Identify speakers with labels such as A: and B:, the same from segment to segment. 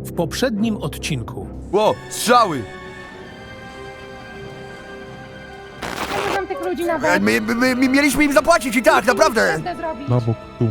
A: W poprzednim odcinku
B: Ło, strzały!
C: Mam tych ludzi na bok.
D: My mieliśmy im zapłacić i tak, naprawdę!
C: Krzywdę zrobić.
E: Na bok, tu.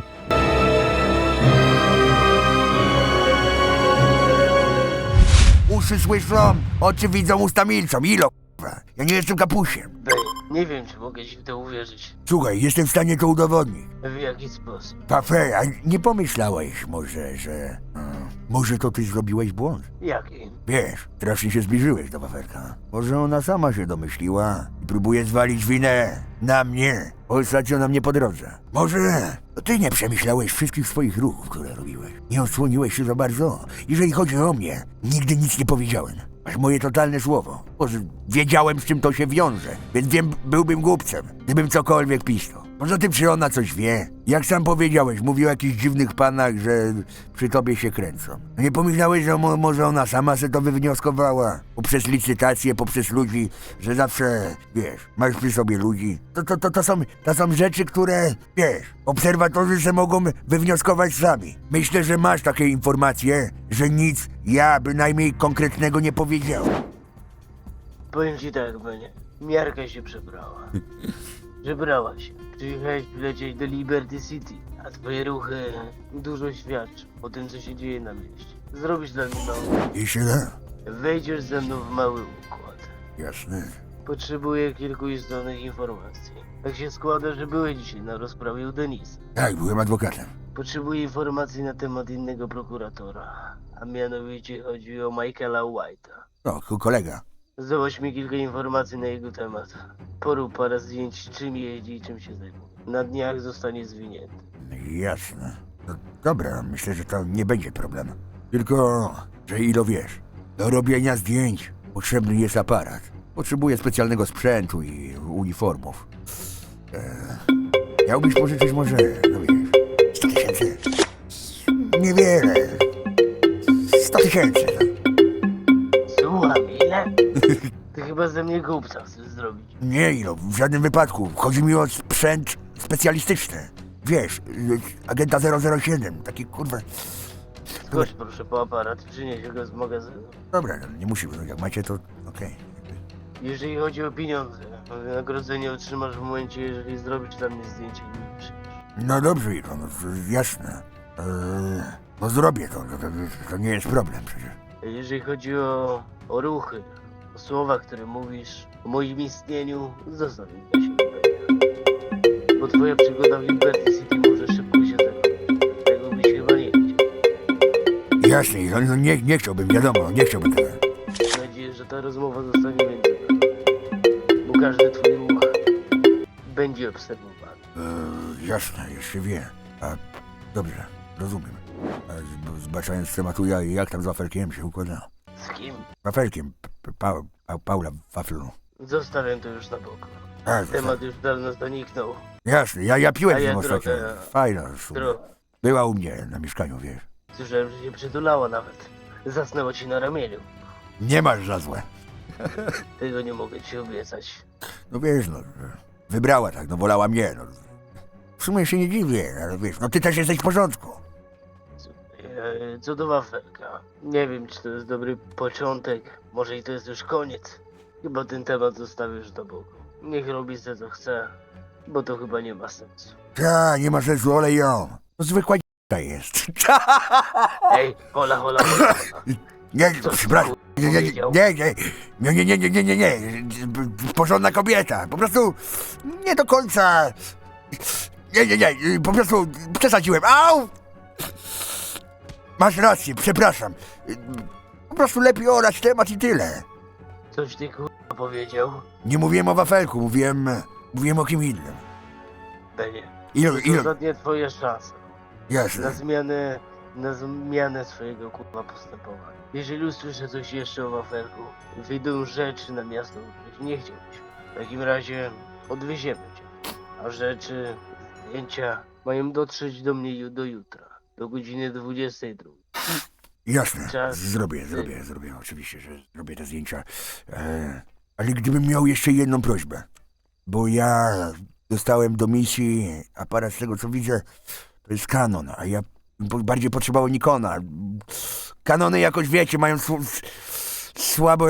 D: Uszy słyszą, oczy widzą, usta milczą. Ilo, k***a. Ja nie jestem kapusiem.
F: Bej, nie wiem, czy mogę ci w to uwierzyć.
D: Słuchaj, jestem w stanie to udowodnić.
F: W jaki sposób?
D: Pafe, a nie pomyślałeś może, że... może to ty zrobiłeś błąd?
F: Jaki?
D: Wiesz, strasznie się zbliżyłeś do Waferka. Może ona sama się domyśliła i próbuje zwalić winę na mnie. Ostatnio na mnie po drodze. Może to ty nie przemyślałeś wszystkich swoich ruchów, które robiłeś. Nie odsłoniłeś się za bardzo. Jeżeli chodzi o mnie, nigdy nic nie powiedziałem. Masz moje totalne słowo. Może wiedziałem, z czym to się wiąże, więc byłbym głupcem, gdybym cokolwiek pisnął. Poza tym, czy ona coś wie? Jak sam powiedziałeś, mówił o jakichś dziwnych panach, że przy tobie się kręcą. Nie pomyślałeś, że może ona sama se to wywnioskowała? Poprzez licytację, poprzez ludzi, że zawsze, wiesz, masz przy sobie ludzi. To są rzeczy, które, wiesz, obserwatorzy se mogą wywnioskować sami. Myślę, że masz takie informacje, że nic ja bynajmniej konkretnego nie powiedział.
F: Powiem ci tak, Benie. Miarka się przebrała. Żebrała się. Przyjechałeś lecieć do Liberty City, a twoje ruchy dużo świadczą o tym, co się dzieje na mieście. Zrobisz dla mnie mało.
D: Jeśli da,
F: Wejdziesz ze mną w mały układ.
D: jasne.
F: Potrzebuję kilku istotnych informacji. Tak się składa, że byłeś dzisiaj na rozprawie u Denisa.
D: Tak, byłem adwokatem.
F: Potrzebuję informacji na temat innego prokuratora, a mianowicie chodzi o Michaela White'a.
D: No, kolega.
F: Zdobyć mi kilka informacji na jego temat. Porób parę zdjęć, czym jeździ i czym się zajmuje. Na dniach zostanie zwinięty.
D: Jasne. No, dobra, myślę, że to nie będzie problem. Tylko, że ilo wiesz, do robienia zdjęć potrzebny jest aparat. Potrzebuję specjalnego sprzętu i uniformów. Miałbyś pożyczyć może, no wiesz, 100 tysięcy? Niewiele. 100 tysięcy.
F: Słucham, ile? Ty chyba ze mnie głupca chcesz zrobić.
D: Nie ilo, w żadnym wypadku. Chodzi mi o sprzęt specjalistyczny. Wiesz, agenta 007, taki kurwa...
F: Skocz proszę po aparat, przynieś go z magazynu.
D: Dobra, no, nie musimy, no, jak macie to okej.
F: Jeżeli chodzi o pieniądze, wynagrodzenie otrzymasz w momencie, jeżeli zrobisz dla mnie zdjęcie i mi przyjdziesz.
D: No dobrze, Ilo, no to jasne. No zrobię to nie jest problem przecież.
F: Jeżeli chodzi o ruchy, o słowa, które mówisz, o moim istnieniu, zostaw mi dla siebie. Bo twoja przygoda w Liberty City może szybko się zakończyć. Tego byś chyba nie chciał.
D: Jasne, Ilo, no nie chciałbym, wiadomo, nie chciałbym tego.
F: Mam nadzieję, że ta rozmowa zostanie między nami. Bo każdy twój ruch będzie obserwowany.
D: Jasne, jeszcze wie. A, dobrze, rozumiem. Zbaczając z tematu, jak tam z Wafelkiem się układa?
F: Z kim?
D: Wafelkiem, Paula Waflu.
F: Zostawiam to już na boku.
D: A,
F: Temat już dawno zaniknął.
D: jasne, ja piłem
F: A
D: z
F: ja
D: nią ostatnio.
F: drogę-
D: Fajna, w sumie. Była u mnie na mieszkaniu, wiesz.
F: Słyszałem, że się przytulała nawet. Zasnęła ci na ramieniu.
D: Nie masz za złe.
F: Tego nie mogę ci obiecać.
D: No wiesz, no, wybrała tak, no wolała mnie, no. W sumie się nie dziwię, ale wiesz, no ty też jesteś w porządku.
F: Co do wafelka. Nie wiem, czy to jest dobry początek. Może i to jest już koniec. Chyba ten temat zostawisz do boku. Niech robi se co chce, bo to chyba nie ma sensu.
D: Ta, nie ma sensu, olej ją. To zwykła d***a jest.
F: Ej, hola, hola, hola.
D: Nie,
F: Co ty,
D: przepraszam. Nie,
F: powiedział?
D: nie. Porządna kobieta. Po prostu nie do końca. Nie. Po prostu przesadziłem. Au! Masz rację, przepraszam. Po prostu lepiej orać temat i tyle.
F: Coś ty kurwa powiedział?
D: Nie mówiłem o wafelku, mówiłem o kim innym.
F: Benie.
D: Ile?
F: To ostatnie twoje szanse.
D: Jasne.
F: Na zmianę swojego kurwa postępowania. Jeżeli usłyszę coś jeszcze o wafelku, wyjdą rzeczy na miasto, których nie chciałbyś. W takim razie odwieziemy cię. A rzeczy, zdjęcia mają dotrzeć do mnie do jutra. Do godziny 22.
D: Jasne,
F: Czas.
D: zrobię, oczywiście, że zrobię te zdjęcia. Ale gdybym miał jeszcze jedną prośbę, bo ja dostałem do misji aparat, z tego co widzę, to jest Canon, a ja Bardziej potrzebowało Nikona. Kanony jakoś, wiecie, mają słabe...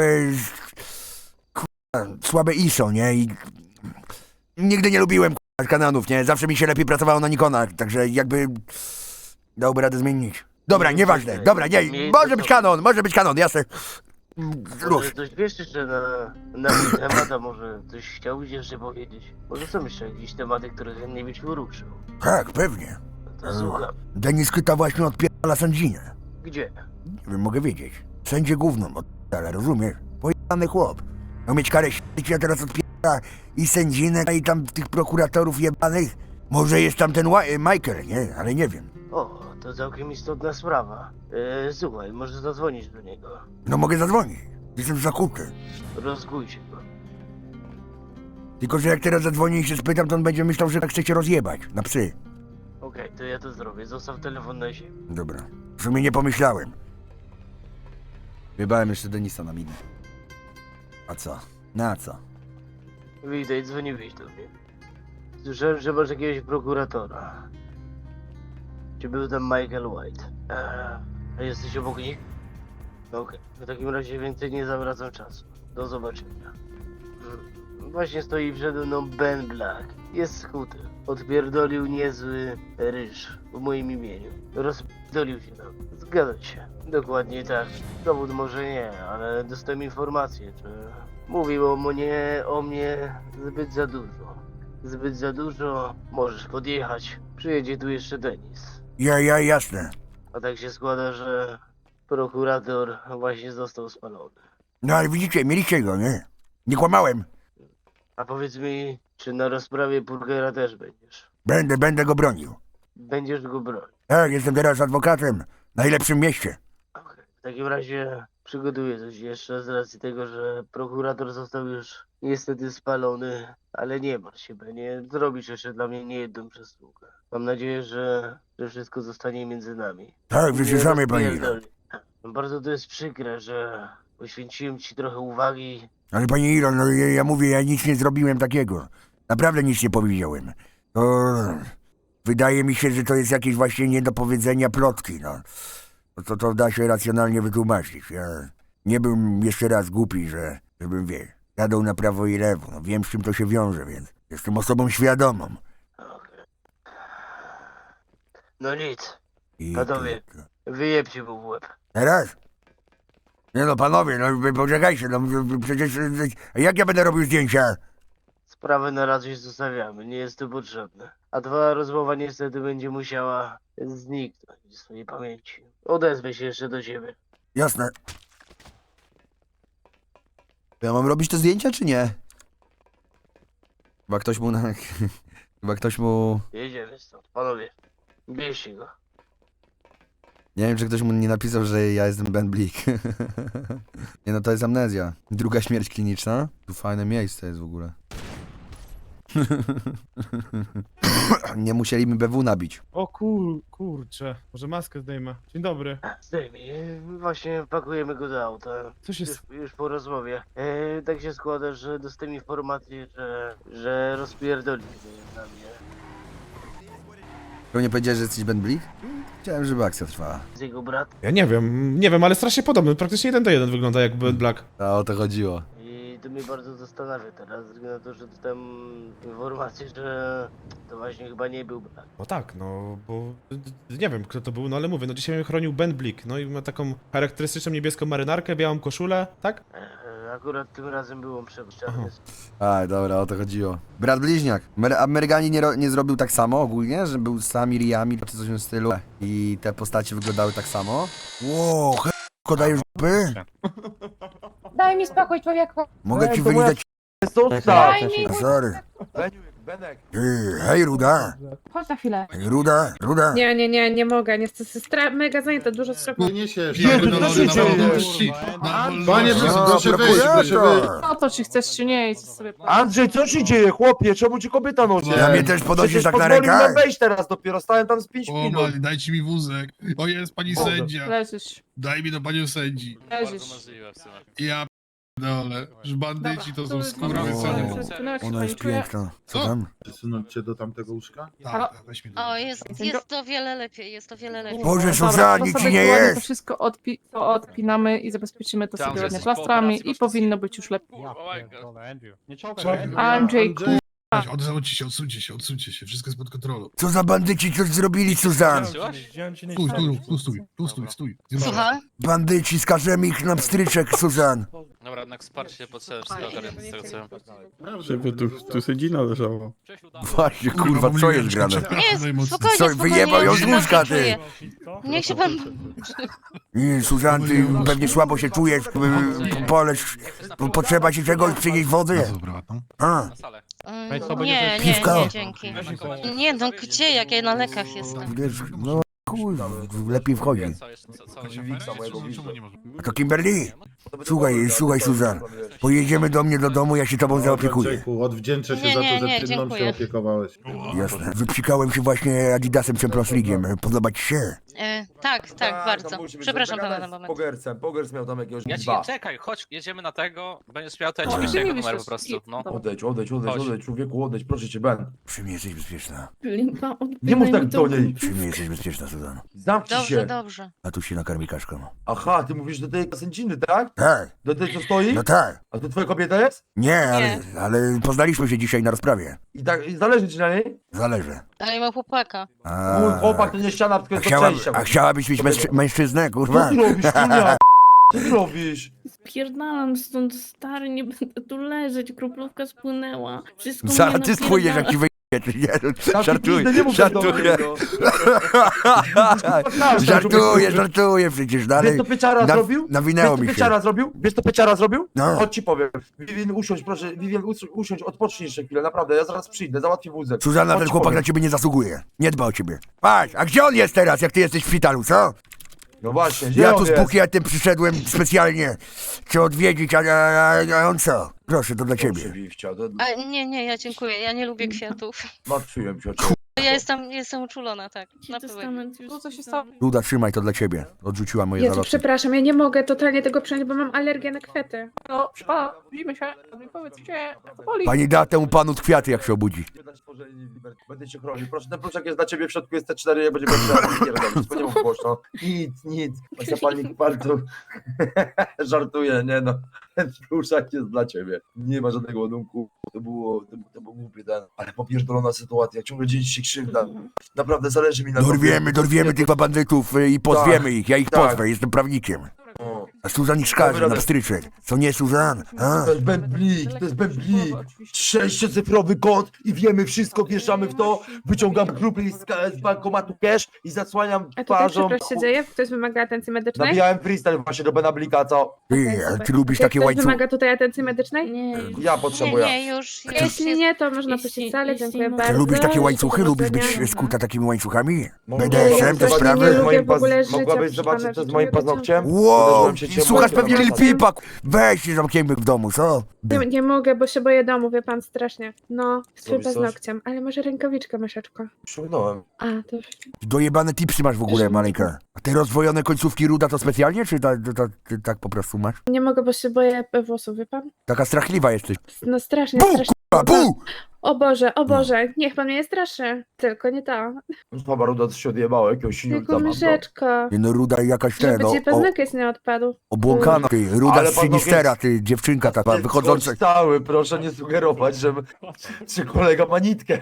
D: słabe ISO, nie? I nigdy nie lubiłem Kanonów, nie? Zawsze mi się lepiej pracowało na Nikonach, także jakby dałby radę zmienić. Dobra, nieważne, dobra, nie, może być Canon, jasne.
F: Może
D: Luz.
F: coś wiesz jeszcze na mój temat, a może coś chciałbyś jeszcze powiedzieć? Może są jeszcze jakieś tematy, które chętnie byś poruszył?
D: Tak, pewnie.
F: No to słucham.
D: Denis Kyta właśnie odpierdala sędzinę.
F: Gdzie?
D: Nie wiem, mogę wiedzieć. Sędzie gówno odpierdala, rozumiesz? Pojebany chłop. Miał mieć karę śmierci, a teraz odpierdala i sędzinę, i tam tych prokuratorów jebanych. Może jest tam ten Michael, nie? Ale nie wiem.
F: O, to całkiem istotna sprawa. Słuchaj, może zadzwonić do niego.
D: No mogę zadzwonić. Jestem zakuty.
F: Rozgójcie go.
D: Tylko, że jak teraz zadzwonię i się spytam, to on będzie myślał, że tak chcecie rozjebać. Na psy.
F: Okej, to ja to zrobię. Zostaw telefon na ziemi.
D: Dobra. W sumie nie pomyślałem.
B: Wybałem jeszcze Denisa na minę.
D: A co? Na co?
F: Witaj, dzwoniłeś do mnie. Słyszałem, że masz jakiegoś prokuratora. Czy był tam Michael White? A jesteś obok nich? Okej, w takim razie więcej nie zawracam czasu. Do zobaczenia. Właśnie stoi przede mną Ben Black. Jest skuty. Odpierdolił niezły ryż w moim imieniu. Rozpierdolił się nam. Zgadza się. Dokładnie tak. Dowód może nie, ale dostałem informację, że mówił o mnie zbyt za dużo. Zbyt za dużo. Możesz podjechać. Przyjedzie tu jeszcze Denis.
D: Jasne.
F: A tak się składa, że prokurator właśnie został spalony.
D: No ale widzicie, mieliście go, nie? Nie kłamałem.
F: A powiedz mi, czy na rozprawie Burgera też będziesz?
D: Będę go bronił.
F: Będziesz go bronić.
D: Tak, jestem teraz adwokatem. W najlepszym mieście.
F: Okej. W takim razie przygotuję coś jeszcze z racji tego, że prokurator został już niestety spalony, ale nie martw się, nie zrobisz jeszcze dla mnie niejedną przysługę. Mam nadzieję, że wszystko zostanie między nami.
D: Tak, wy się
F: Nie
D: sami, panie Ilo.
F: rozpierdoli. Bardzo to jest przykre, że poświęciłem ci trochę uwagi.
D: Ale panie Ilo, no ja mówię, ja nic nie zrobiłem takiego. Naprawdę nic nie powiedziałem. To... Wydaje mi się, że to jest jakieś właśnie niedopowiedzenia plotki, no. To da się racjonalnie wytłumaczyć. Ja nie byłem jeszcze raz głupi, żebym, jadł na prawo i lewo. No, wiem, z czym to się wiąże, więc jestem osobą świadomą.
F: Okej. No nic,
D: I
F: Panowie. Wyjebcie mu w łeb.
D: Teraz? Nie no, panowie, no wy poczekajcie, no przecież... Jak ja będę robił zdjęcia?
F: Sprawę na razie zostawiamy, nie jest to potrzebne. A twoja rozmowa niestety będzie musiała zniknąć z swojej pamięci. Odezwę się jeszcze do ciebie.
D: Jasne.
B: Ja mam robić te zdjęcia, czy nie? Chyba ktoś mu Chyba ktoś mu...
F: Jedziemy stąd, panowie. Bierzcie go.
B: Nie wiem, czy ktoś mu nie napisał, że ja jestem Ben Blick. Nie no, to jest amnezja. Druga śmierć kliniczna. Tu fajne miejsce jest w ogóle. Nie musieli mi BW nabić.
E: O kurczę, może maskę zdejmę. Dzień dobry.
F: Zdejmij, właśnie pakujemy go do auta.
E: Co się...
F: Już po rozmowie. Tak się składa, że dostałem informację, że rozpierdolił się na mnie.
B: To nie powiedziałeś, że jesteś Ben Blick? Chciałem, żeby akcja trwała.
F: Z jego brat.
E: Ja nie wiem, ale strasznie podobny. Praktycznie 1:1 wygląda jak Ben Black.
B: A o to chodziło.
F: I to mnie bardzo zastanawia teraz, ze względu na to, że dostałem informację, że to właśnie chyba nie był brat.
E: No tak, no bo nie wiem kto to był, no ale mówię, no dzisiaj mnie chronił Ben Blick, no i ma taką charakterystyczną niebieską marynarkę, białą koszulę, tak?
F: Akurat tym razem był on przepuszczany.
B: A, dobra, o to chodziło. Brat bliźniak. Amerykanie nie zrobił tak samo ogólnie, że był z sami Riami, czy coś w tym stylu. I te postacie wyglądały tak samo.
D: Ło, dajesz dupy?
C: Daj mi spokój, człowieku.
D: Mogę ci wylizać...
C: Daj mi...
D: Sorry. Hej, Ruda.
C: Chodź na chwilę.
D: Ruda.
G: Nie mogę, niestety mega zajęte, dużo strachu.
H: Nie się,
I: Jezu, co się dzieje?
H: Panie, proszę wyjść, proszę wyjść.
G: No to czy chcesz, czy nie, idź sobie.
I: Andrzej, co się dzieje, chłopie? Czemu ci kobieta nosi?
D: Na mnie też podnosisz
I: Przecież
D: tak na
I: pozwolił nam
D: rękach?
I: wejść teraz dopiero, stałem tam z 5 minut.
H: Mali, dajcie mi wózek. O, jest pani sędzia.
G: Leżysz,
H: Daj mi do panią sędzi.
G: leżysz.
H: Ja dole. Że bandyci to są
G: O,
H: skurwysyny.
D: Ona jest piękna. Co tam?
H: Przesunąć cię do tamtego łóżka?
C: Halo?
H: Tak, weź mnie
J: O, jest to wiele lepiej, jest to wiele lepiej.
D: Boże,
C: Dobra,
D: Suzanne,
C: to
D: nic
C: sobie
D: ci nie
C: ładnie
D: jest!
C: To wszystko to odpinamy i zabezpieczymy to sobie ładnie plastrami i powinno być już lepiej. Andrzej,
H: Odsuńcie się, wszystko jest pod kontrolą.
D: Co za bandyci coś zrobili, Suzanne?
H: Stój.
J: Słucham?
D: Bandyci, skażemy ich na pstryczek, Suzanne.
K: Dobra, jednak wsparcie potrzebne wszystko ogarnięte z tego co wiem.
H: Żeby tu sedzina leżała.
D: Właśnie, kurwa, co jest grane?
J: Nie, spokojnie,
D: Co,
J: spokojnie.
D: wyjebał ją
J: ja
D: z
J: się
D: łóżka,
J: dobrze
D: ty.
J: czuję. Niech się pan...
D: Nie, Suzanne, ty pewnie słabo się czujesz, poleć, potrzeba ci czegoś, przynieść wody? A,
K: Na salę.
J: Nie,
D: Piwko?
J: nie, dzięki. Nie, no gdzie, jak ja na lekach jestem.
D: wiesz, no kurwa, lepiej wchodzi.
K: Co jeszcze? Co
D: A to Kimberly? Słuchaj, Suzanne, pojedziemy do mnie do domu, ja się tobą zaopiekuję.
H: Odwdzięczę się
J: Nie,
H: za
J: nie,
H: to,
J: nie,
H: że ty mną się
J: dziękuję.
H: opiekowałeś.
D: Jasne. Wypsikałem się właśnie Adidasem Champions League'iem. Podoba ci się?
J: Tak, bardzo. Przepraszam pana na moment.
I: Pogers miał tam jakiegoś
K: Ja ci
I: dwa.
K: czekaj, chodź, jedziemy na tego, będziesz miał to ja ci
C: O,
K: wyślę jego
C: nie
K: numer po
C: wiesz,
K: prostu, no.
I: Odejdź,
K: Chodź.
I: człowieku, odejdź, proszę cię, Ben.
D: Przy mnie jesteś bezpieczna.
I: Nie mów tak do niej.
D: Przy mnie jesteś bezpieczna, Suzanne.
I: Zamknij
J: Dobrze,
I: się.
J: dobrze.
D: A tu się nakarmi kaszką.
I: Aha, ty mówisz do tej sędziny, tak?
D: Tak,
I: Do tej, co stoi?
D: no tak.
I: A to twoja kobieta jest?
D: Nie, ale poznaliśmy się dzisiaj na rozprawie.
I: I zależy ci na niej?
D: Zależy.
J: Ale mam chłopaka.
D: A,
I: Mój chłopak to nie ściana, tylko jest do przejścia.
D: a chciałabyś mieć mężczyznę,
I: Co
D: kurwa?
I: ty robisz, Julia? Co ty robisz?
G: Spierdalam stąd, stary, nie będę tu leżeć, kroplówka spłynęła. Wszystko
D: Zaraz
G: mnie
D: ty spójrz, jak ci wyjdzie. Żartuję,
I: Nie mów tak do
D: żartuję.
I: mnie, no.
D: Żartuję przecież
I: Wiesz
D: dalej.
I: co Pieczara zrobił?
D: Nawinęło
I: Wiesz co
D: mi się.
I: Pieczara zrobił? Wiesz co Pieczara zrobił?
D: No.
I: Chodź ci powiem. Vivien, usiądź proszę, Vivien, usiądź, odpocznij jeszcze chwilę, naprawdę, ja zaraz przyjdę, załatwię wózek.
D: Suzanna,
I: Chodź
D: ten
I: ci
D: chłopak
I: powiem.
D: na ciebie nie zasługuje. Nie dba o ciebie. Patrz, a gdzie on jest teraz, jak ty jesteś w szpitalu, co?
I: No właśnie, gdzie
D: Ja
I: on
D: tu z
I: jest?
D: bukietem przyszedłem specjalnie cię odwiedzić, a on co? Proszę, to dla
I: Proszę,
D: ciebie.
I: Wiwcia, to
J: Nie, ja dziękuję, ja nie lubię kwiatów.
I: martwiłem się o ciebie.
J: Ja jestem uczulona, tak. Na pewno.
C: to co się stało?
D: Luda, trzymaj to dla ciebie. Odrzuciła moje
G: Jezu,
D: zaloty.
G: przepraszam, ja nie mogę totalnie tego przyjąć, bo mam alergię na kwiaty.
C: No, pana, widzimy się. Powiedzcie, co boli.
D: Pani da temu panu kwiaty, jak się obudzi.
I: Będę cię chronił. Proszę, ten pluszak jest dla ciebie, w środku jest T4, jak będzie nie mów głośno. Nic. Właśnie pani bardzo żartuje, nie no. Ten pluszak jest dla ciebie. Nie ma żadnego ładunku. To był głupie ten. Ale popierdolona sytuacja, ciągle dzieje się krzywda. Naprawdę zależy mi na
D: Dorwiemy tych bandytów i pozwiemy ich. Ja ich
I: tak.
D: pozwę, jestem prawnikiem.
I: O.
D: A Suzan ich szkaże
I: Dobra,
D: na pstryczek. Co nie, Suzan? A?
I: To jest bęblik. 6-cyfrowy kod i wiemy wszystko, wjeżdżamy w to, wyciągam grupy z bankomatu cash i zasłaniam
G: A tutaj
I: twarzą.
G: przepraszam się dzieje? Ktoś wymaga atencji medycznej?
I: Nabijałem freestyle właśnie do Benablika, co?
D: Ty, a ty lubisz takie
G: Ktoś
D: łańcuchy?
G: wymaga tutaj atencji medycznej? Nie.
I: Ja potrzebuję.
J: Nie, już
G: Jeśli nie, to można puścić salę, dziękuję
D: Ty
G: bardzo.
D: lubisz takie łańcuchy? Lubisz
G: Powodzenia.
D: być skuta takimi łańcuchami?
I: Mogę-
D: BDSM, te
G: Właśnie
D: sprawy?
G: nie lubię w ogóle życia,
I: Mogłabyś
G: proszę
I: zobaczyć,
G: pana,
I: co z
G: że
I: moim
G: czuję
I: paznokciem?
D: Wow,
I: Uderzyłem się cię
D: słuchasz
I: mocno
D: pewnie
I: na
D: Lil
I: pasek.
D: Peepa. Weź się zamkniemy w domu, co?
G: Nie mogę, bo się boję domu, wie pan, strasznie. No, z
I: Robisz coś?
G: paznokciem, ale może rękawiczkę, myszeczko.
I: Ściągnąłem.
G: A, to...
D: Dojebane tipsy masz w ogóle, maleńka. A te rozwojone końcówki ruda to specjalnie, czy ty tak po prostu masz?
G: Nie mogę, bo się boję włosów, wie pan?
D: Taka strachliwa jesteś.
G: No strasznie,
D: Bu,
G: strasznie.
D: kurwa, bu!
G: O Boże, niech pan mnie nie straszy. Tylko nie to.
I: Chyba Ruda się odjebało, jakiegoś
G: Tylko
I: siulca mam. no.
G: myszeczko.
D: Nie no, ruda jakaś ten,
G: Żeby ci paznokieć nie odpadł.
D: obłąkana, ty, ruda
I: Ale
D: z Sinistera,
I: paznokieć-
D: ty, dziewczynka taka, wychodząca.
I: Chodź cały, proszę nie sugerować, że kolega ma nitkę.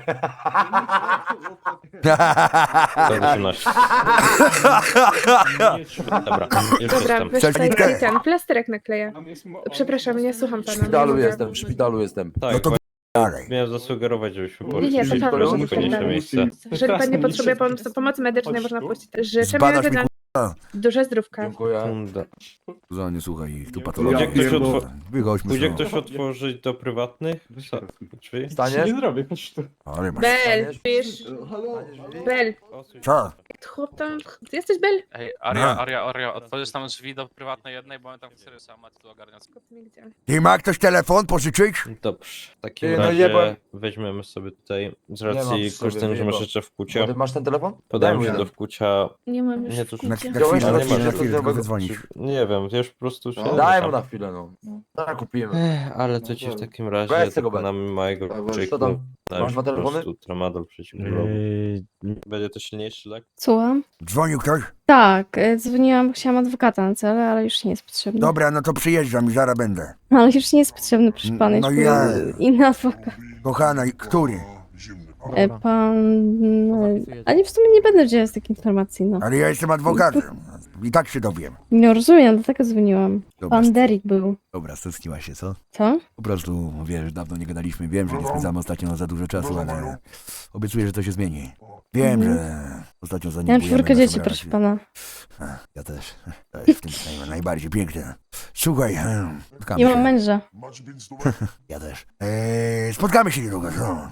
K: Dobra,
G: Dobra, weź
D: Chcesz
G: tutaj
D: nitkę?
G: ten plasterek nakleję. Przepraszam, nie słucham
I: W
G: pana.
I: szpitalu
G: nie mogę.
I: jestem, w szpitalu jestem.
D: No to dalej.
K: Miałem zasugerować, żebyśmy
G: Nie, to pan może
K: spokojniejsze
G: zostać.
K: miejsce.
G: Jeżeli pan nie potrzebuje pomocy medycznej, można puścić. Życzę
D: Zbadasz
G: miłego
D: mi,
G: dnia. Duże zdrówka.
I: Dziękuję.
D: Suzan, nie słuchaj ich, tu
H: Ja
D: patologia.
H: pierdolę.
D: Wychodźmy
K: Pójdzie
D: stąd.
K: ktoś otworzyć do prywatnych drzwi?
I: Staniesz?
D: Ale masz...
G: Bel, wiesz? Bel.
D: Co?
G: Chłop tam... Ty jesteś Bel?
K: Ej,
D: Aha.
K: Aria, otworzysz tam drzwi do prywatnej jednej, bo my tam serio sam macie tu ogarniać.
G: Gdzie?
D: Ty, ma ktoś telefon pożyczyć?
K: Dobrze, w takim
I: Ty, no
K: razie
I: jebłem.
K: weźmiemy sobie tutaj, z
I: Nie mam
K: racji
I: w sobie,
K: korzystając, że masz
I: jebam.
K: jeszcze w kucie,
I: Masz ten telefon?
K: podałem
I: Daj
K: się
I: mu
K: do
I: jeden.
K: wkucia,
G: Nie mam już.
K: nie to, że
D: Znaczy
G: idzie.
B: Na
I: Działaj,
B: chwilę, na
I: nie
B: chwilę,
I: ma,
B: na
I: że
B: chwilę,
I: to
B: tylko
I: trzeba-
B: wydzwonić.
L: Nie wiem, wiesz, po prostu się...
I: Daj mu na chwilę, no. Tak, kupimy.
L: Ale to ci w takim razie
I: Weź tego
L: tylko na mojego
I: Tak,
L: czyku
I: co tam?
L: dać
I: Masz dwa
L: po
I: telefony?
L: prostu tramadol przeciwbólowy. Będzie to silniejszy lek?
G: Słucham?
D: Dzwonił ktoś?
G: Tak, dzwoniłam, bo chciałam adwokata na cele, ale już nie jest potrzebny.
D: Dobra, no to przyjeżdżam i zaraz będę.
G: Ale już nie jest potrzebny, proszę pana,
D: No
G: już
D: ja-
G: inny adwokat.
D: Kochana, który?
G: Pan... Ale w sumie nie będę udzielać takiej informacji, no.
D: Ale ja jestem adwokatem. I tak się dowiem.
G: Nie rozumiem, dlatego dzwoniłam.
B: Dobra,
G: Pan Derek był.
B: dobra, stęskniła się, co?
G: Co?
B: Po prostu, wiesz, dawno nie gadaliśmy, wiem, że nie spędzamy ostatnio za dużo czasu, ale obiecuję, że to się zmieni. Wiem, że ostatnio
G: Ja mam
B: zaniedbujemy
G: 4 dzieci,
B: naszą
G: proszę
B: relację.
G: pana.
B: Ja też.
D: To jest w tym najbardziej piękne. Słuchaj,
B: Spotkamy
G: Nie mam
B: się.
G: męża.
B: Ja też.
D: spotkamy się niedługo, co?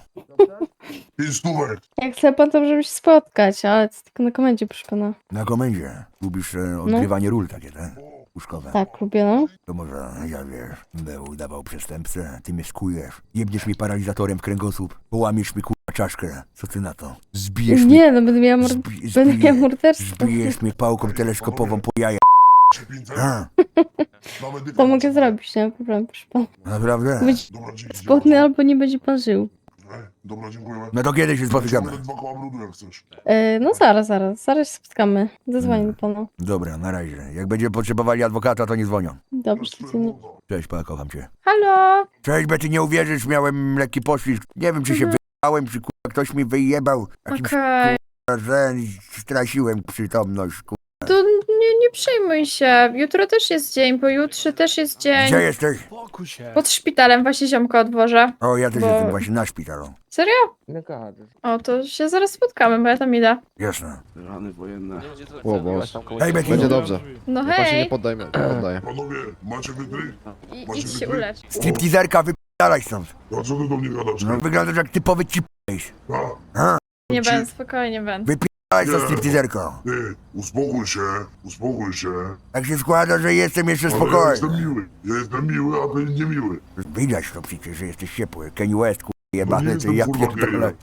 G: Jak chce pan, to możemy się spotkać, ale to tylko na komendzie, proszę pana.
D: Na komendzie. Lubisz odgrywanie ról takie, tak? Łóżkowe.
G: Tak, lubię, no.
D: To może, ja wiesz, będę udawał przestępcę, ty mnie skujesz. Jebniesz mi paralizatorem w kręgosłup, połamiesz mi kurwa czaszkę. Co ty na to? Zbijesz mnie.
G: Nie, no będę miała, będę miała morderstwo.
D: Zbijesz mnie pałką teleskopową po jaja. A,
G: To mogę zrobić, nie ma problemu, proszę pana.
D: naprawdę?
G: Będzie spodny albo nie będzie pan żył.
D: No to kiedy się spotykamy?
G: No zaraz się spotkamy. Zadzwonię do pana.
D: Dobra, na razie. Jak będziemy potrzebowali adwokata, to nie dzwonią.
G: Dobrze, to nie.
D: Cześć, pa, kocham cię.
C: Halo!
D: Cześć, Betty, nie uwierzysz, miałem lekki poślizg. Nie wiem, czy się wyjebałem, czy kurwa ktoś mi wyjebał. Jakimś
C: Okej.
D: że straciłem przytomność. Kurwa.
C: To nie przejmuj się. Jutro też jest dzień, pojutrze też jest dzień.
D: Gdzie jesteś?
A: Spokój się.
C: Pod szpitalem właśnie ziomka odwożę.
D: O, ja też
C: Bo-
D: jestem właśnie na szpitalu.
C: Serio?
L: Nie gadasz.
C: O, to się zaraz spotkamy, bo ja tam idę.
D: Jasne.
H: Rany wojenne.
D: Hej, Betty.
H: Będzie dobrze.
C: No hej!
H: poddajmy, poddaję.
I: Panowie, macie wydry?
C: Idź się ulecz.
D: Stripteaserka, wyp***alaj stąd.
I: A co ty do mnie gadasz?
D: No, wyglądasz jak typowy cipejś.
C: Nie będę, spokojnie będę.
D: Wyp***alaj stąd, stripteaserko.
I: Ty, uspokój się.
D: Tak się składa, że jestem jeszcze spokojny.
I: miły. Ja jestem miły, a ty niemiły.
D: Widać to przecież, że jesteś ciepły. Kanye West, kurwa, jebany, ty ja pierdolę.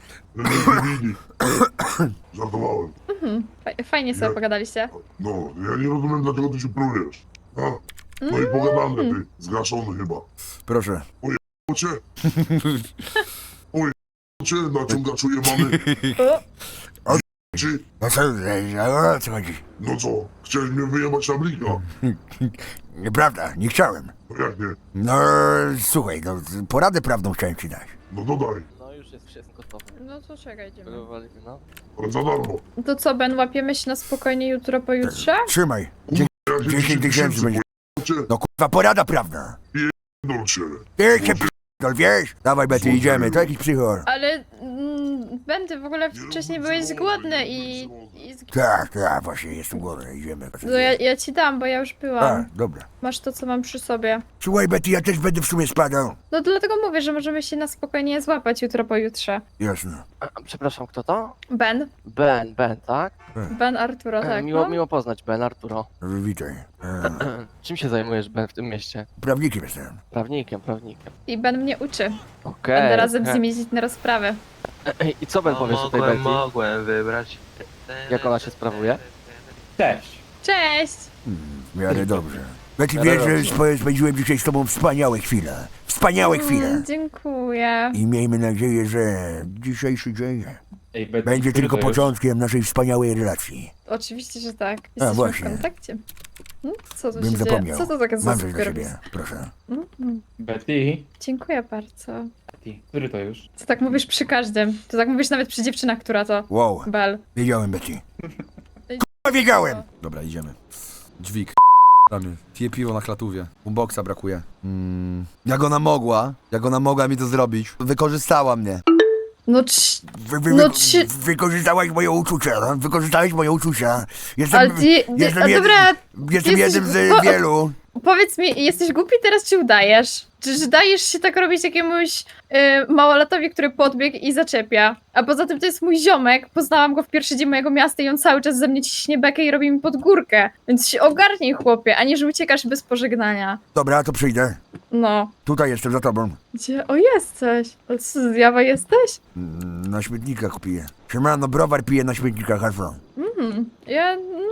I: Żartowałem.
C: Fajnie sobie pogadaliście.
I: No, ja nie rozumiem, dlaczego ty się plujesz. A? No i pogadamy, ty, zgaszony chyba.
D: Proszę.
I: Cię? Oj, cię, naciągaczu jebany. Ci?
D: No co, o co chodzi?
I: No co, chciałeś mnie wyjebać na blika?
D: Nieprawda, nie chciałem.
I: No jak nie?
D: No, słuchaj, no, poradę prawną chciałem ci dać.
I: No dodaj,
L: No już jest wszystko gotowe.
C: No to czekaj, idziemy.
L: No.
I: ale za darmo.
C: To co, Ben, łapiemy się na spokojnie jutro, pojutrze?
D: Trzymaj.
I: Ja się
D: 10 tysięcy będzie.
I: Cię,
D: No kurwa, porada prawna.
I: dolcie.
D: Ty się p***dol, wiesz? Dawaj, Betty, idziemy, to jakiś psychor.
C: Ale Ben, ty w ogóle wcześniej byłeś głodny i
D: Tak, właśnie, jestem głodny, idziemy.
C: no ja ci dam, bo ja już
D: A,
C: byłam.
D: dobra.
C: Masz to, co mam przy sobie.
D: Słuchaj, Betty, ja też będę w sumie spadał.
C: No dlatego mówię, że możemy się na spokojnie złapać jutro, pojutrze.
D: Jasne.
L: Przepraszam, kto to?
C: Ben?
L: Ben, tak?
C: Ben Arturo, tak, no?
L: Miło poznać, Ben, Arturo.
D: Witaj.
L: Czym się zajmujesz, Ben, w tym mieście?
D: Prawnikiem jestem.
L: Prawnikiem.
C: I Ben mnie uczy.
L: Okej.
C: Będę razem z nim jeździć na rozprawy.
L: I co Ben powiesz o tej Betty?
K: Mogłem wybrać.
L: Jak ona się sprawuje?
C: Cześć!
D: W miarę dobrze. Betty, wiesz, że spędziłem dzisiaj z tobą wspaniałe chwile. Wspaniałe chwile.
C: Dziękuję.
D: I miejmy nadzieję, że dzisiejszy dzień będzie tylko początkiem naszej wspaniałej relacji.
C: Oczywiście, że tak. Jesteśmy
D: właśnie.
C: w kontakcie. Co tu
D: Bym
C: się
D: zapomniał.
C: dzieje? Co to takie za
D: Mam coś dla
C: super
D: ciebie, proszę.
K: Betty?
C: Dziękuję bardzo.
K: Który to już?
C: To tak mówisz przy każdym. To tak mówisz nawet przy dziewczynach, która to...
D: Wow,
C: Bel.
D: wiedziałem, Betty. K***a, wiedziałem!
B: Dobra, idziemy. Dźwig. Ramy. Pije piwo na klatówie. Boomboxa brakuje. Jak ona mogła mi to zrobić? Wykorzystała mnie.
C: No
D: Wykorzystałaś moje uczucia, no? Wykorzystałeś moje uczucia. Jestem,
C: ale ty...
D: jestem,
C: A dobra,
D: jestem
C: jesteś-
D: jednym z wielu.
C: powiedz mi, jesteś głupi teraz, czy udajesz? Czy dajesz się tak robić jakiemuś małolatowi, który podbiegł i zaczepia? A poza tym to jest mój ziomek, poznałam go w pierwszy dzień mojego miasta i on cały czas ze mnie ciśnie bekę i robi mi pod górkę. Więc się ogarnij, chłopie, a nie, że uciekasz bez pożegnania.
D: Dobra, to przyjdę.
C: No.
D: Tutaj jestem za tobą.
C: Gdzie? O, jesteś. Ale co, zjawa jesteś?
D: Na śmietnikach piję. Siemano, browar piję na śmietnikach, Hasło.
C: Ja...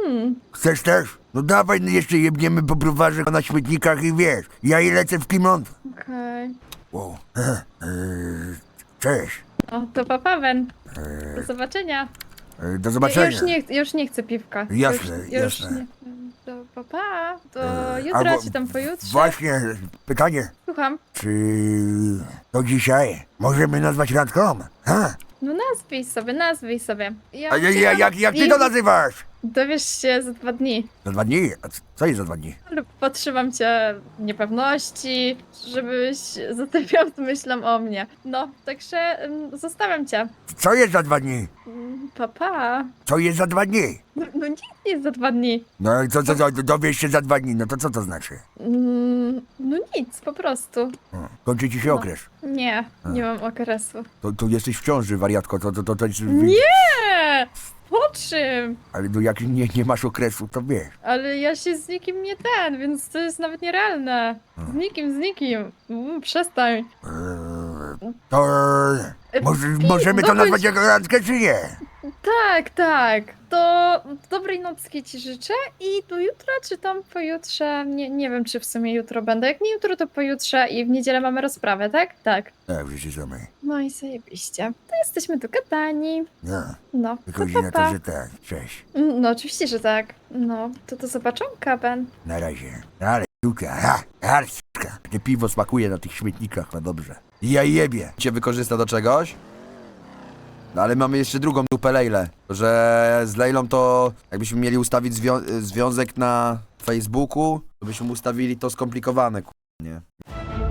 D: Chcesz też? No dawaj, no jeszcze jebniemy po browarze na śmietnikach i wiesz, ja i lecę w Kimont.
C: Okej.
D: Wow. Cześć.
C: O, to papa, Ben. Do zobaczenia.
D: Do zobaczenia.
C: Ja już nie chcę piwka.
D: Jasne,
C: już
D: jasne.
C: Nie. To papa. To
D: albo-
C: jutro, czy tam pojutrze?
D: Właśnie, pytanie.
C: Słucham.
D: Czy to dzisiaj możemy nazwać randką? Ha?
C: No nazwij sobie. Ja
D: A jak ty to nazywasz?
C: Dowiesz się za 2 dni.
D: Za 2 dni? A co jest za 2 dni?
C: Ale potrzymam cię w niepewności, żebyś zostawiał z myślą o mnie. No, także zostawiam cię.
D: Co jest za 2 dni?
C: Papa.
D: Co jest za 2 dni?
C: No nic nie jest za 2 dni.
D: No i co, dowiesz się za 2 dni, no to co to znaczy?
C: No nic, po prostu.
D: Kończy ci się okres.
C: Nie mam okresu.
B: To jesteś w ciąży, wariatko, to jest...
C: Nie! Po czym?
D: Ale no jak nie masz okresu, to wiesz.
C: Ale ja się z nikim nie więc to jest nawet nierealne. Z nikim. Przestań.
D: To możemy to
C: dokończ-
D: nazwać jako randkę, czy nie?
C: Tak. To dobrej nocki ci życzę i do jutra, czy tam pojutrze. Nie wiem, czy w sumie jutro będę. Jak nie jutro, to pojutrze i w niedzielę mamy rozprawę, tak? Tak.
D: Tak, wszyscy samej.
C: No i zajebiście. To jesteśmy dogadani.
D: No,
C: No, to
D: wychodzi na to,
C: papa.
D: że tak. Cześć.
C: No oczywiście, że tak. No, to do zobaczonka, Ben.
D: Na razie. Ale suka, ale suka.
B: Te piwo smakuje na tych śmietnikach, no dobrze. I ja jebie. Cię wykorzysta do czegoś? No ale mamy jeszcze drugą dupę Lejlę, że z Lejlą to jakbyśmy mieli ustawić związek na Facebooku, to byśmy ustawili to skomplikowane, nie?